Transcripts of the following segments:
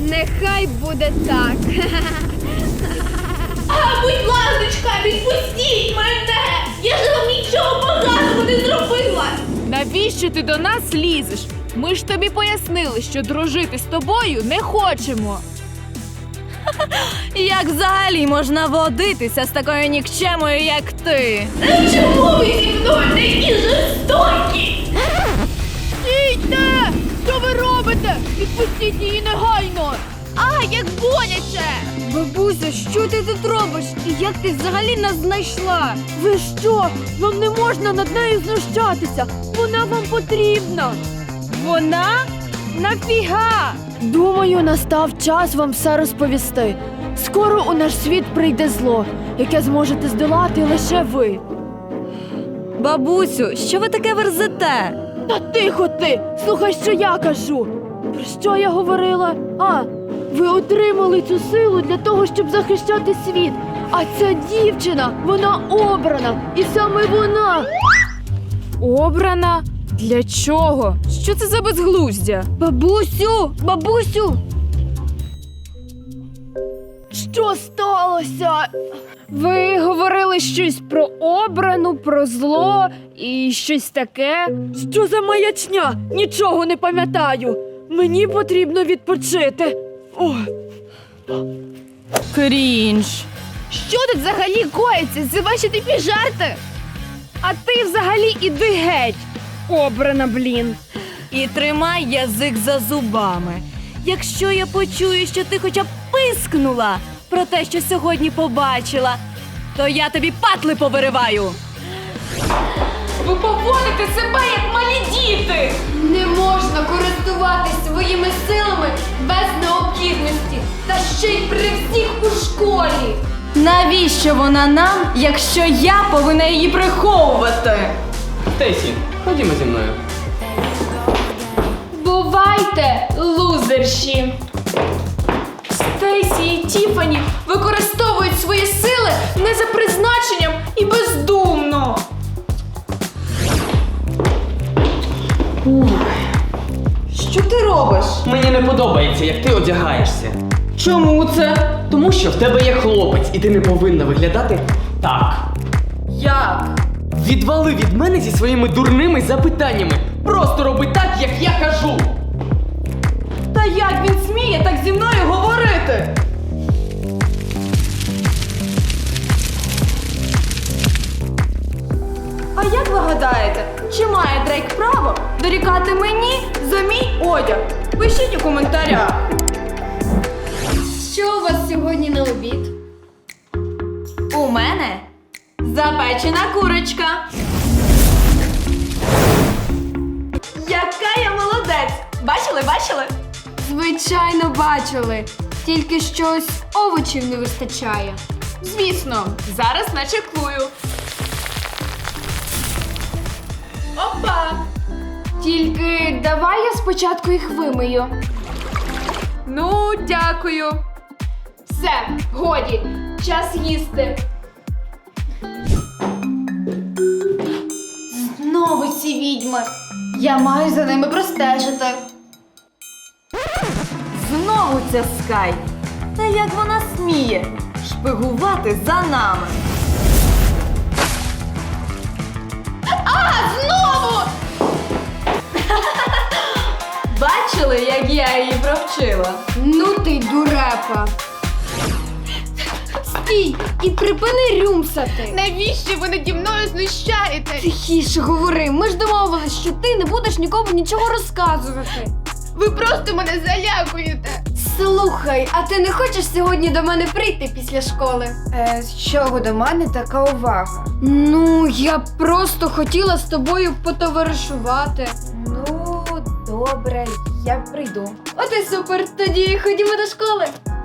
Нехай буде так. Будь ласка, відпустіть мене! Я ж вам нічого поганого не зробила! Навіщо ти до нас лізеш? Ми ж тобі пояснили, що дружити з тобою не хочемо. Як взагалі можна водитися з такою нікчемою, як ти? Чому ви зі мною такі жорстокі? Стійте! Що ви робите? Відпустіть її негайно! А, як боляче! Бабуся, що ти тут робиш? І як ти взагалі нас знайшла? Ви що? Вам не можна над нею знущатися! Вона вам потрібна! Вона? Нафіга? Думаю, настав час вам все розповісти. Скоро у наш світ прийде зло, яке зможете здолати лише ви. Бабусю, що ви таке верзете? Та тихо ти! Слухай, що я кажу! Про що я говорила? А, ви отримали цю силу для того, щоб захищати світ. А ця дівчина, вона обрана. І саме вона. Обрана? Для чого? Що це за безглуздя? Бабусю! Бабусю! Що сталося? Ви говорили щось про обрану, про зло і щось таке. Що за маячня? Нічого не пам'ятаю. Мені потрібно відпочити. О. Крінж. Що тут взагалі коїться? Це ваші тупі жарти? А ти взагалі іди геть. Обрана, блін. І тримай язик за зубами. Якщо я почую, що ти хоча б пискнула про те, що сьогодні побачила, то я тобі патли повириваю. Ви поводите себе, як малі діти. Не можна користуватись своїми силами без необхідності. Та ще й при всіх у школі. Навіщо вона нам, якщо я повинна її приховувати? Стейсі, ходімо зі мною. Бувайте, лузерші! Стейсі і Тіфані використовують свої сили не за призначенням і бездумно. Що ти робиш? Мені не подобається, як ти одягаєшся. Чому це? Тому що в тебе є хлопець, і ти не повинна виглядати так. Як? Відвали від мене зі своїми дурними запитаннями. Просто роби так, як я кажу. Та як він сміє так зі мною говорити? А як ви гадаєте, чи має Дрейк право дорікати мені за мій одяг? Пишіть у коментарях. Що у вас сьогодні на обід? У мене запечена курочка. Яка я молодець! Бачили? Звичайно, бачили. Тільки щось овочів не вистачає. Звісно, зараз начеклую. Опа! Тільки давай я спочатку їх вимию. Ну, дякую. Все, годі, час їсти. Знову ці відьми. Я маю за ними простежити. Знову ця Скай. Та як вона сміє шпигувати за нами? Знову! Бачили, як я її провчила? Ну ти дурепа. Стій і припини рюмсати. Навіщо ви наді мною знущаєтесь? Тихіше говори, ми ж домовились, що ти не будеш нікому нічого розказувати. Ви просто мене залякуєте. Слухай, а ти не хочеш сьогодні до мене прийти після школи? З чого до мене така увага? Ну, я просто хотіла з тобою потоваришувати. Ну, добре, я прийду. От і супер, тоді ходімо до школи.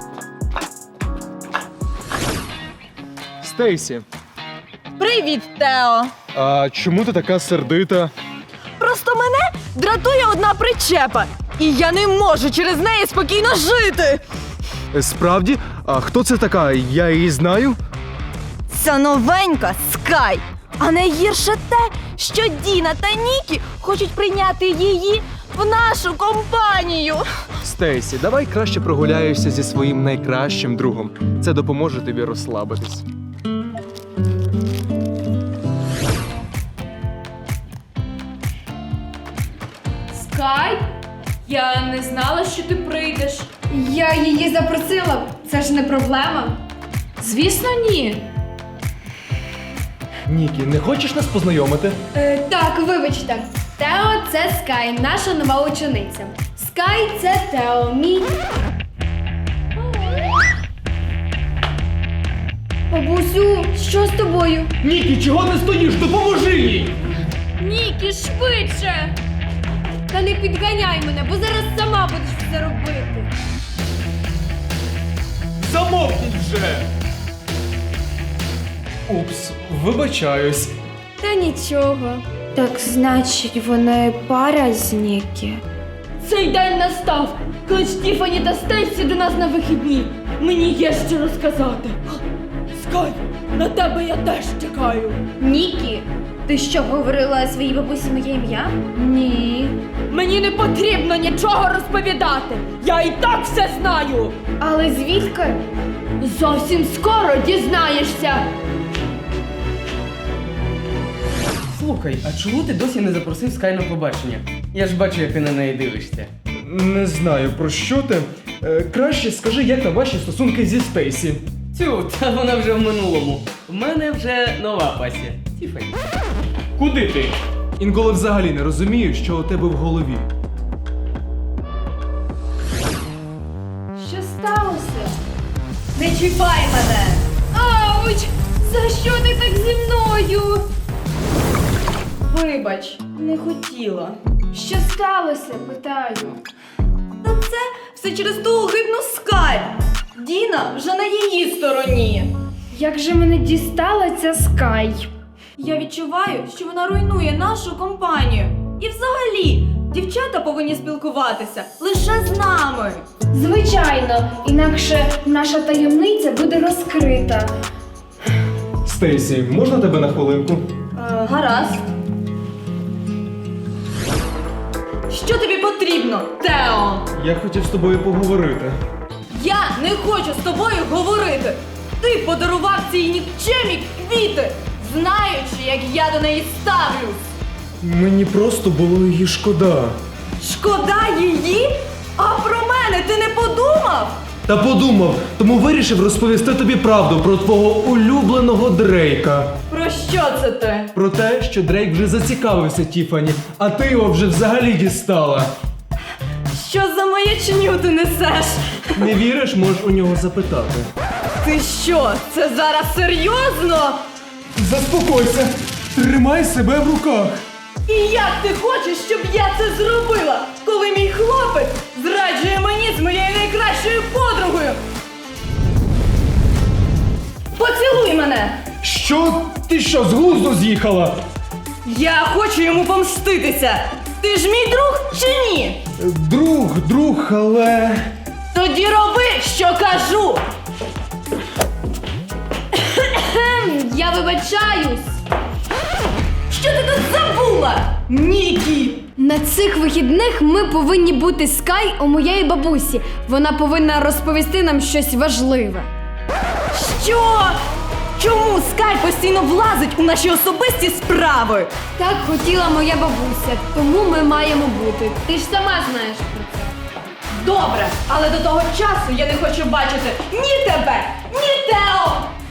Стейсі, Привіт, Тео! а чому ти така сердита? Просто мене дратує одна причепа, і я не можу через неї спокійно жити. Справді? А хто це така? Я її знаю? Ця новенька Скай. А найгірше те, що Діна та Нікі хочуть прийняти її в нашу компанію. Стейсі, давай краще прогуляєшся зі своїм найкращим другом. Це допоможе тобі розслабитись. Скай? Я не знала, що ти прийдеш. Я її запросила, це ж не проблема. Звісно, ні. Нікі, не хочеш нас познайомити? Так, вибачте. Тео – це Скай, наша нова учениця. Скай – це Тео, мій. Бабусю, що з тобою? Нікі, чого не стоїш? Допоможи їй! Нікі, швидше! Та не підганяй мене, бо зараз сама будеш це робити. Замовкніть вже! Упс, вибачаюсь. Та нічого. Так значить, вони пара з Нікі. Цей день настав, коли Стіфані та Стейсі до нас на вихідні. Мені є що розказати. Скай, на тебе я теж чекаю. Нікі, ти що, говорила своїй бабусі моє ім'я? Ні. Мені не потрібно нічого розповідати. Я і так все знаю. Але звідки? Зовсім скоро дізнаєшся. Слухай, а чому ти досі не запросив Скай на побачення? Я ж бачу, як ти на неї дивишся. Не знаю, про що ти. Краще скажи, як там ваші стосунки зі Стейсі. Тю, та вона вже в минулому. В мене вже нова пасія. Тіфані. Куди ти? Інколи взагалі не розумію, що у тебе в голові. Що сталося? Не чіпай мене! Ауч! За що ти так зі мною? Вибач, не хотіла. Що сталося, питаю. Та це все через ту огидну Скай. Діна вже на її стороні. Як же мене дістала ця Скай? Я відчуваю, що вона руйнує нашу компанію. І взагалі, дівчата повинні спілкуватися лише з нами. Звичайно, інакше наша таємниця буде розкрита. Стейсі, можна тебе на хвилинку? Гаразд. Що тобі потрібно, Тео? Я хотів з тобою поговорити. Я не хочу з тобою говорити. Ти подарував цій нікчемі квіти, знаючи, як я до неї ставлюсь. Мені просто було її шкода. Шкода її? А про мене ти не подумав? Та подумав, тому вирішив розповісти тобі правду про твого улюбленого Дрейка. Про що це ти? Про те, що Дрейк вже зацікавився Тіфані, а ти його вже взагалі дістала. Що за маячню ти несеш? Не віриш, можеш у нього запитати. Ти що, це зараз серйозно? Заспокойся, тримай себе в руках. І як ти хочеш, щоб я це зробила, коли мій хлопець зраджує мені з моєю найкращою подругою? Поцілуй мене! Що? Ти що, з глузду з'їхала? Я хочу йому помститися! Ти ж мій друг чи ні? Друг, але... Тоді роби, що кажу! Я вибачаюсь. Що ти тут забула? Нікі! На цих вихідних ми повинні бути Скай у моєї бабусі. Вона повинна розповісти нам щось важливе. Що? Чому Скай постійно влазить у наші особисті справи? Так хотіла моя бабуся, тому ми маємо бути. Ти ж сама знаєш про це. Добре, але до того часу я не хочу бачити ні тебе, ні Тео!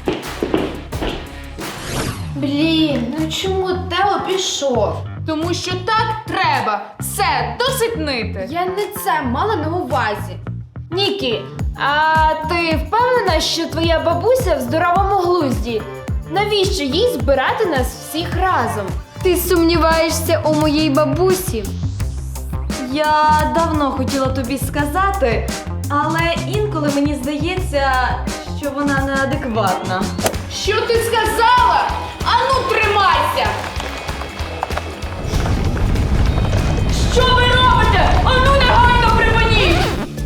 Блін, ну чому Тео пішов? Тому що так треба. Все, досить нити. Я не це мала на увазі. Нікі, а ти впевнена, що твоя бабуся в здоровому глузді? Навіщо їй збирати нас всіх разом? Ти сумніваєшся у моїй бабусі? Я давно хотіла тобі сказати, але інколи мені здається, що вона неадекватна. Що ти сказала? Ану, тримайся! Що ви робите? Ану, негайно припиніть!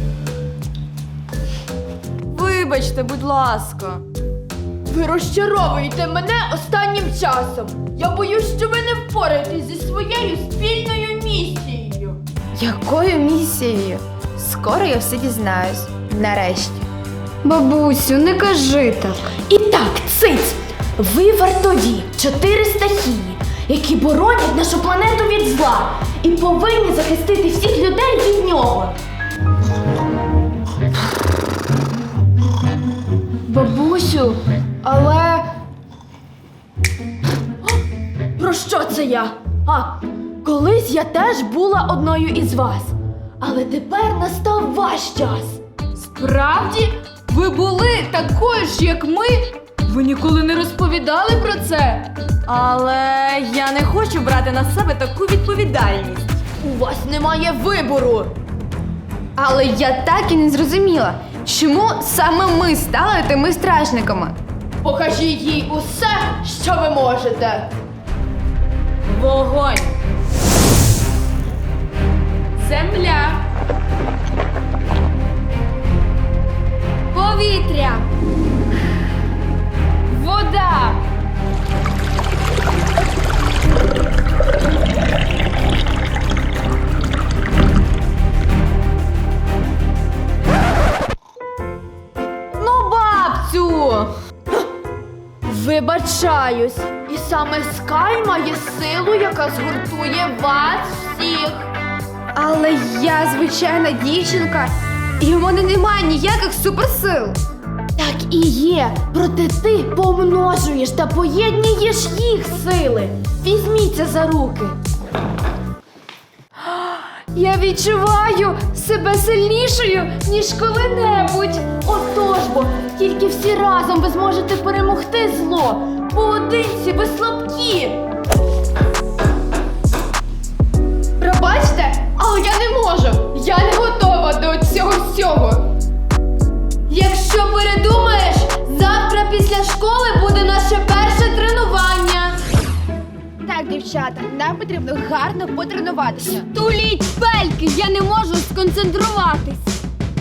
Вибачте, будь ласка. Ви розчаровуєте мене останнім часом. Я боюсь, що ви не впораєтесь зі своєю спільною місією. Якою місією? Скоро я все дізнаюсь. Нарешті. Бабусю, не кажи так. І так, циць! Ви вартові 4 стихії, які боронять нашу планету від зла і повинні захистити всіх людей від нього. Бабусю, але Про що це я? Колись я теж була одною із вас. Але тепер настав ваш час. Справді? Ви були такою ж, як ми? Ви ніколи не розповідали про це? Але я не хочу брати на себе таку відповідальність. У вас немає вибору. Але я так і не зрозуміла, чому саме ми стали тими стражниками? Покажіть їй усе, що ви можете. Вогонь! Земля. Повітря. вода. Ну, бабцю! Вибачаюсь. І саме Скай має силу, яка згуртує вас всіх. Але я звичайна дівчинка, і в мене немає ніяких суперсил. Так і є. Проте ти помножуєш та поєднуєш їх сили. Візьміться за руки. Я відчуваю себе сильнішою, ніж коли-небудь. Отож бо, тільки всі разом ви зможете перемогти зло. Поодинці ви слабкі. Пробачте, але я не можу. Я не готова до цього всього. Якщо передумаєш, завтра після школи буде наше перше тренування. Так, дівчата, нам потрібно гарно потренуватися. Туліть пельки, я не можу сконцентруватись.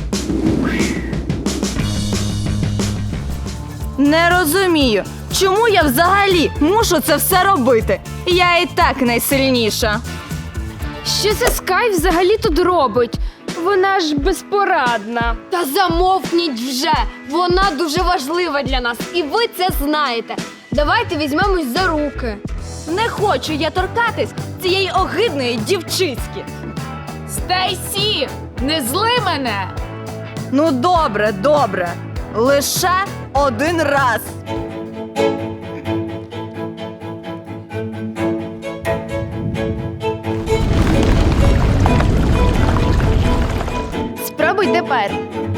Не розумію, чому я взагалі мушу це все робити? Я і так найсильніша. Що це Скай взагалі тут робить? Вона ж безпорадна. Та замовкніть вже! Вона дуже важлива для нас, і ви це знаєте. Давайте візьмемось за руки. Не хочу я торкатись цієї огидної дівчиськи. Стейсі, не зли мене! Ну добре, добре. Лише один раз. Спробуй тепер.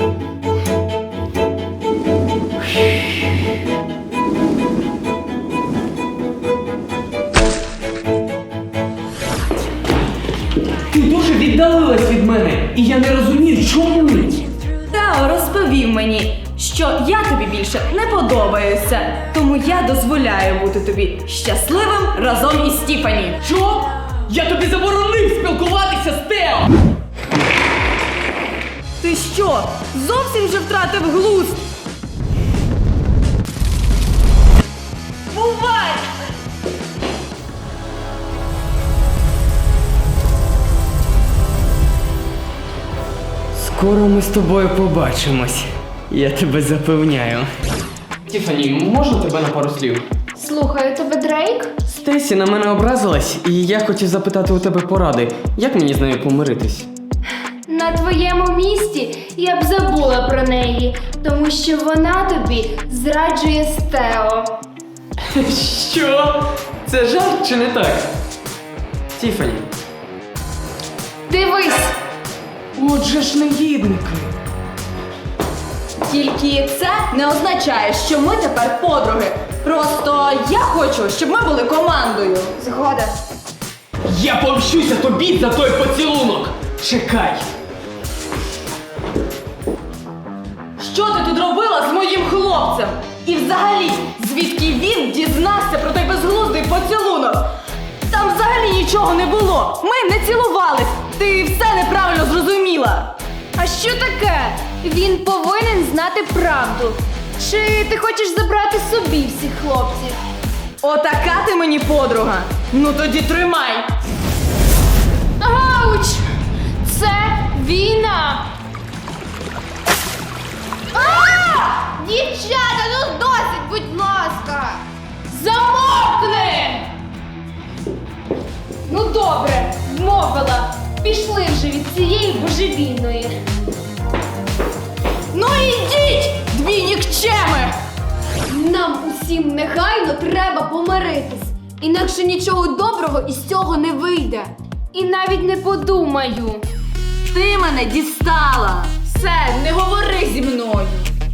Ти дуже віддалилась від мене, і я не розумію, чому. Тео розповів мені, що я тобі більше не подобаюся, тому я дозволяю бути тобі щасливим разом із Тіфані. Що? Я тобі заборонив спілкуватися з Тео! Ти що, зовсім вже втратив глузд? Бувай! Скоро ми з тобою побачимось. Я тебе запевняю. Тіфані, можна тебе на пару слів? Слухаю тебе, Дрейк? Стейсі на мене образилась, і я хотів запитати у тебе поради. Як мені з нею помиритись? На твоєму місці я б забула про неї, тому що вона тобі зраджує з Тео. Що? Це жарт чи не так? Тіфані. Дивись! Отже ж негідники. Тільки це не означає, що ми тепер подруги. Просто я хочу, щоб ми були командою. Згода. Я помщуся тобі за той поцілунок! Чекай! Що ти тут робила з моїм хлопцем? І взагалі, звідки він дізнався про той безглуздий поцілунок? Там взагалі нічого не було. Ми не цілувались. Ти все неправильно зрозуміла. А що таке? Він повинен знати правду. Чи ти хочеш забрати собі всіх хлопців? Отака ти мені подруга. Ну тоді тримай. Ауч! Війна! Дівчата, ну досить, будь ласка! Замовкни! Ну добре, вмовила. Пішли вже від цієї божевільної. Ну ідіть, дві нікчеми! Нам усім негайно треба помиритись, інакше нічого доброго із цього не вийде. І навіть не подумаю. Ти мене дістала! Все, не говори зі мною!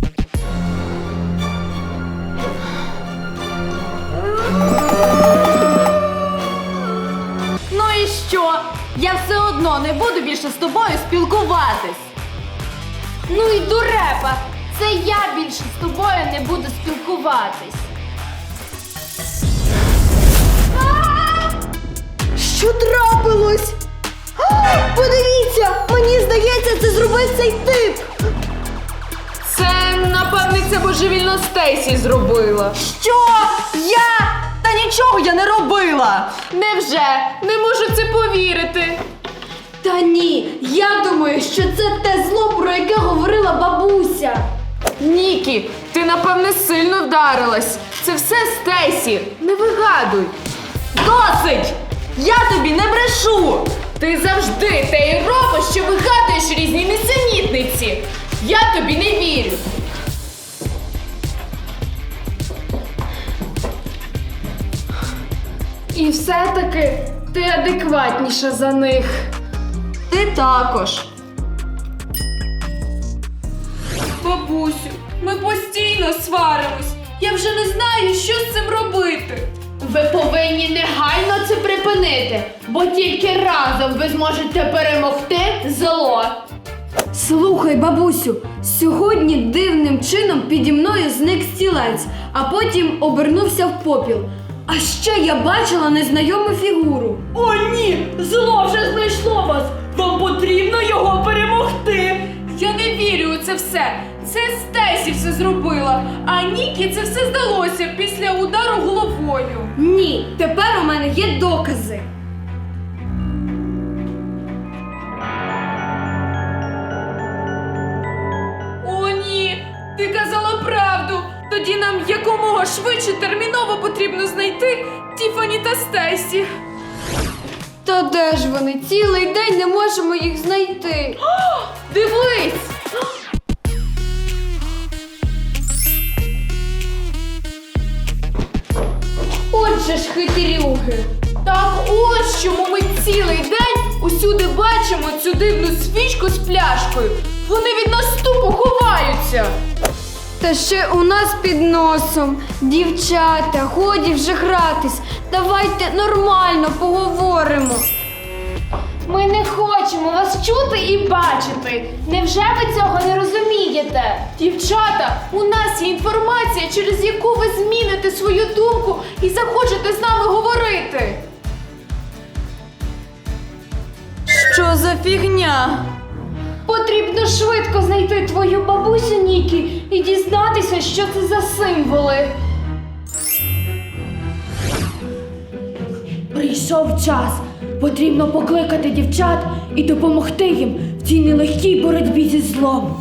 Ну і що? Я все одно не буду більше з тобою спілкуватись. Ну і дурепа! Це я більше з тобою не буду спілкуватись. Що трапилось? Подивіться, мені здається, це зробив цей тип. Це, напевне, ця божевільна Стейсі зробила. Що? Я? Та нічого я не робила! Невже? Не можу це повірити. Та ні, я думаю, що це те зло, про яке говорила бабуся. Нікі, ти, напевне, сильно вдарилась. Це все Стейсі. Не вигадуй. Досить! Я тобі не брешу! Ти завжди те й робиш, що вигадуєш різні нісенітниці. Я тобі не вірю. І все-таки ти адекватніша за них. Ти також. Бабусю, ми постійно сваримось. Я вже не знаю, що з цим робити. Ви повинні негайно це припинити, бо тільки разом ви зможете перемогти зло. Слухай, бабусю, сьогодні дивним чином піді мною зник стілець, а потім обернувся в попіл. А ще я бачила незнайому фігуру. О, ні! Зло вже знайшло вас! Вам потрібно його перемогти! Я не вірю у це все. Це Стейсі все зробила, а Нікі це все здалося після удару головою. Ні, тепер у мене є докази. О, ні, ти казала правду. Тоді нам якомога швидше терміново потрібно знайти Тіфані та Стейсі. Та де ж вони? Цілий день не можемо їх знайти. Дивись! Отже ж хитрюги. Так ось чому ми цілий день усюди бачимо цю дивну свічку з пляшкою. Вони від нас тупо ховаються. Та ще у нас під носом. Дівчата, годі вже гратись. Давайте нормально поговоримо. Ми не хочемо вас чути і бачити. Невже ви цього не розумієте? Дівчата, у нас є інформація, через яку ви зміните свою думку і захочете з нами говорити. Що за фігня? Потрібно швидко знайти твою бабусю Нікі і дізнатися, що це за символи. Прийшов час. Потрібно покликати дівчат і допомогти їм в цій нелегкій боротьбі зі злом.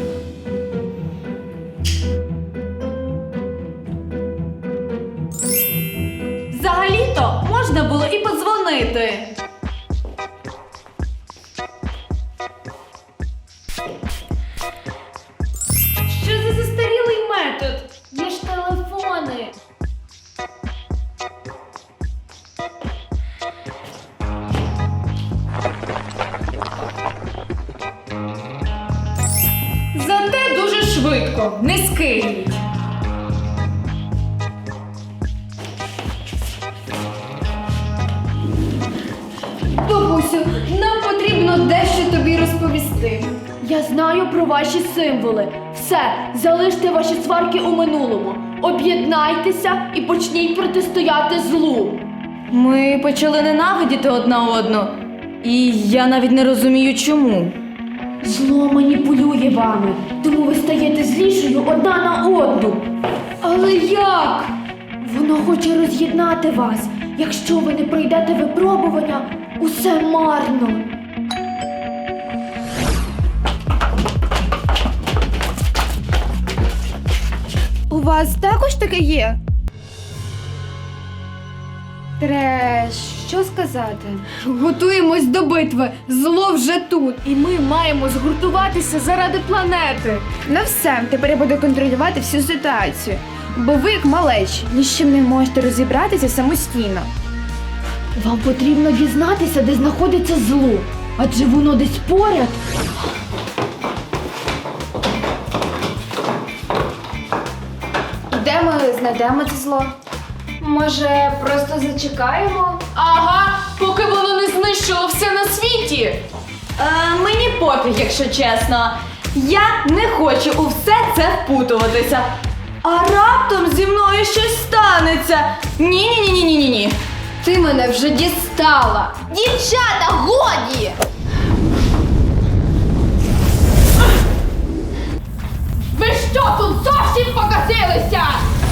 Взагалі-то можна було і подзвонити. Що за застарілий метод? Є ж телефони. Зате дуже швидко, не скинуть. Бабусю, нам потрібно дещо тобі розповісти. Я знаю про ваші символи. Все, залиште ваші сварки у минулому. Об'єднайтеся і почніть протистояти злу. Ми почали ненавидіти одна одну. І я навіть не розумію, чому. Зло маніпулює вами, тому ви стаєте злішою одна на одну. Але як? Воно хоче роз'єднати вас. Якщо ви не пройдете випробування, усе марно. вас також таке є? Треш, що сказати? Готуємось до битви. Зло вже тут. І ми маємо згуртуватися заради планети. Ну все, тепер я буду контролювати всю ситуацію. Бо ви, як малечі, ні з чим не можете розібратися самостійно. Вам потрібно дізнатися, де знаходиться зло. Адже воно десь поряд. І де ми знайдемо це зло? Може, просто зачекаємо? Ага, поки воно не знищило все на світі. Мені пофіг, якщо чесно. Я не хочу у все це впутуватися. А раптом зі мною щось станеться. Ні. Ти мене вже дістала! Дівчата, годі! Ви що тут зовсім покатилися?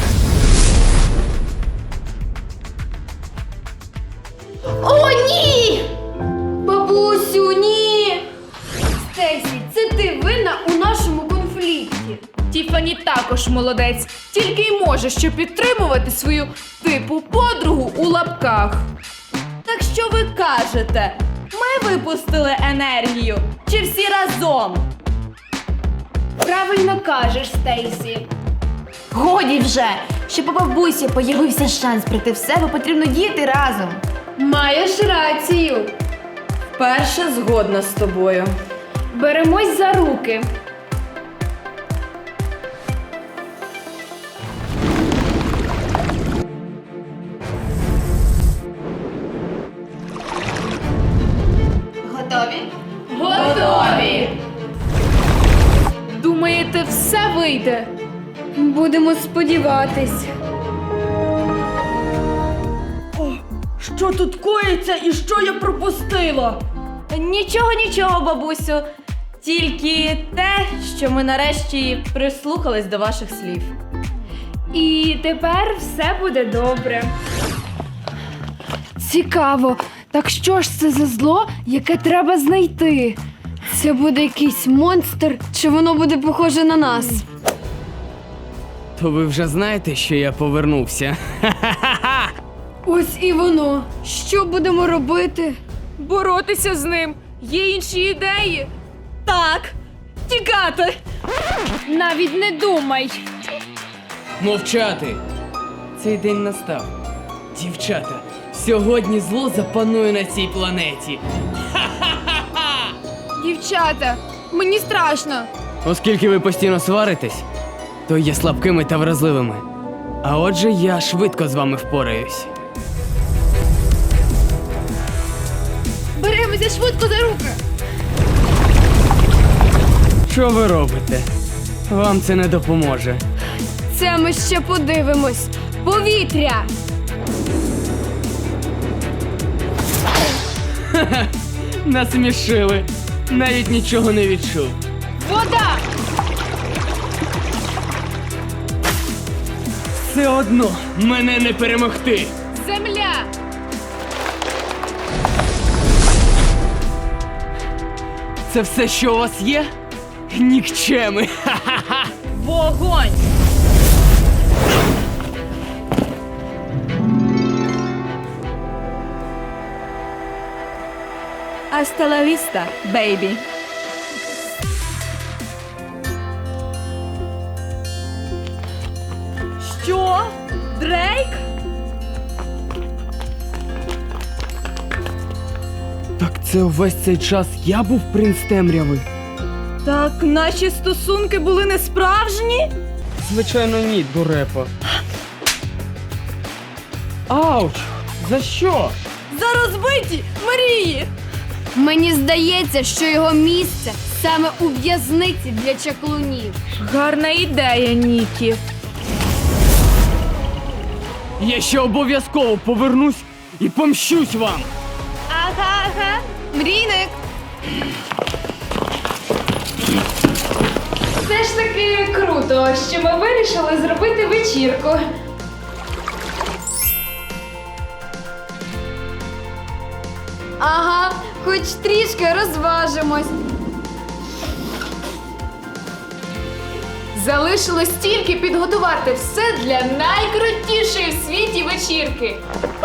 О, ні! Бабусю, ні! Стесі, це ти винна у нашому конфлікті. Тіфані також молодець, тільки й може що підтримувати свою типу подругу у лапках. Так що ви кажете? Ми випустили енергію? Чи всі разом? Правильно кажеш, Стейсі. Годі вже! Щоб у бабусі появився шанс прийти в себе, потрібно діяти разом. Маєш рацію. Перша згодна з тобою. Беремось за руки. Готові? Готові! Думаєте, все вийде? Будемо сподіватись. Що тут коїться і що я пропустила? Нічого, бабусю. Тільки те, що ми нарешті прислухались до ваших слів. І тепер все буде добре. Цікаво. Так що ж це за зло, яке треба знайти? Це буде якийсь монстр, чи воно буде похоже на нас? То ви вже знаєте, що я повернувся. Ось і воно. Що будемо робити? Боротися з ним. Є інші ідеї. Так, тікати. Навіть не думай. Мовчати! Цей день настав. Дівчата, сьогодні зло запанує на цій планеті. Дівчата, мені страшно. Оскільки ви постійно сваритесь, то є слабкими та вразливими. А отже, я швидко з вами впораюсь. Беремося швидко за руки. Що ви робите? Вам це не допоможе. Це ми ще подивимось. Повітря! Насмішили. Навіть нічого не відчув. Вода! Все одно мене не перемогти. Земля! Це все, що у вас є? Нікчеми. Вогонь! Hasta la vista, baby. Що? Дрейк? Так це увесь цей час я був принц темряви? Так наші стосунки були не справжні? Звичайно, ні, дурепа. Ауч! За що? За розбиті мрії! Мені здається, що його місце саме у в'язниці для чаклунів. Гарна ідея, Нікі. Я ще обов'язково повернусь і помщусь вам. Ага. Мрійник! Все ж таки круто, що ми вирішили зробити вечірку. Ага, хоч трішки розважимось. Залишилось тільки підготувати все для найкрутішої в світі вечірки.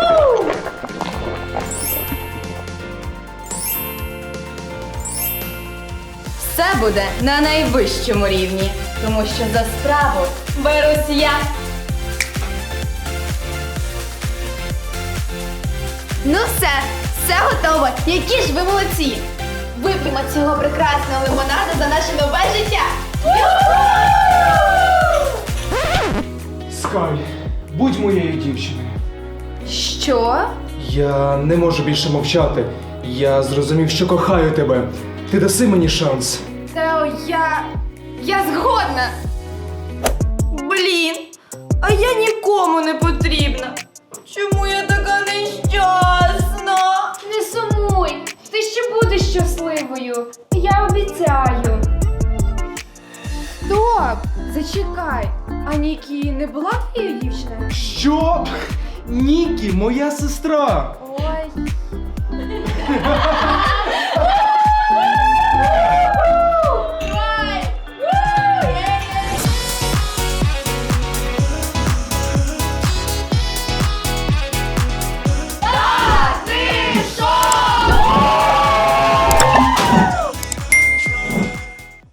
Все буде на найвищому рівні, тому що за справу берусь я. Ну все готово. Які ж ви молодці! Вип'ємо цього прекрасного лимонаду за наше нове життя! Скай, будь моєю дівчиною. Що? Я не можу більше мовчати. Я зрозумів, що кохаю тебе. Ти даси мені шанс. Тео, я згодна. Блін, а я нікому не потрібна. Чому я така нещасна? Не сумуй, ти ще будеш щасливою. Я обіцяю. Стоп! Зачекай. А Нікі не була твоєю дівчиною? Що? Нікі, моя сестра. Ой.